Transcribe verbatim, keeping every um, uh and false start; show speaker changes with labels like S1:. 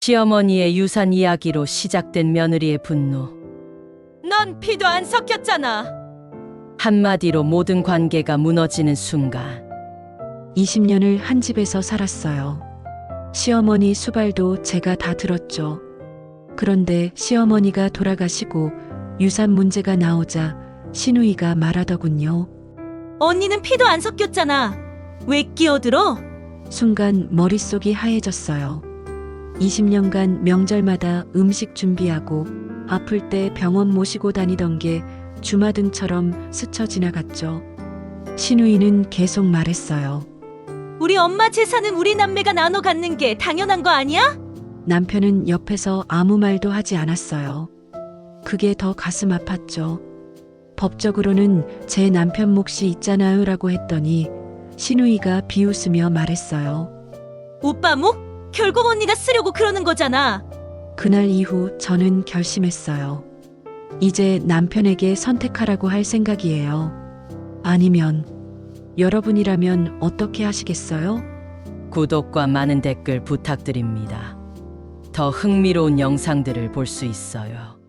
S1: 시어머니의 유산 이야기로 시작된 며느리의 분노. 넌 피도 안 섞였잖아. 한마디로 모든 관계가 무너지는 순간.
S2: 이십 년을 한 집에서 살았어요. 시어머니 수발도 제가 다 들었죠. 그런데 시어머니가 돌아가시고 유산 문제가 나오자 시누이가 말하더군요.
S3: 언니는 피도 안 섞였잖아. 왜 끼어들어?
S2: 순간 머릿속이 하얘졌어요. 이십 년간 명절마다 음식 준비하고 아플 때 병원 모시고 다니던 게 주마등처럼 스쳐 지나갔죠. 시누이는 계속 말했어요.
S3: 우리 엄마 재산은 우리 남매가 나눠 갖는 게 당연한 거 아니야?
S2: 남편은 옆에서 아무 말도 하지 않았어요. 그게 더 가슴 아팠죠. 법적으로는 제 남편 몫이 있잖아요 라고 했더니 시누이가 비웃으며 말했어요.
S3: 오빠 목? 결국 언니가 쓰려고 그러는 거잖아.
S2: 그날 이후 저는 결심했어요. 이제 남편에게 선택하라고 할 생각이에요. 아니면 여러분이라면 어떻게 하시겠어요?
S1: 구독과 많은 댓글 부탁드립니다. 더 흥미로운 영상들을 볼 수 있어요.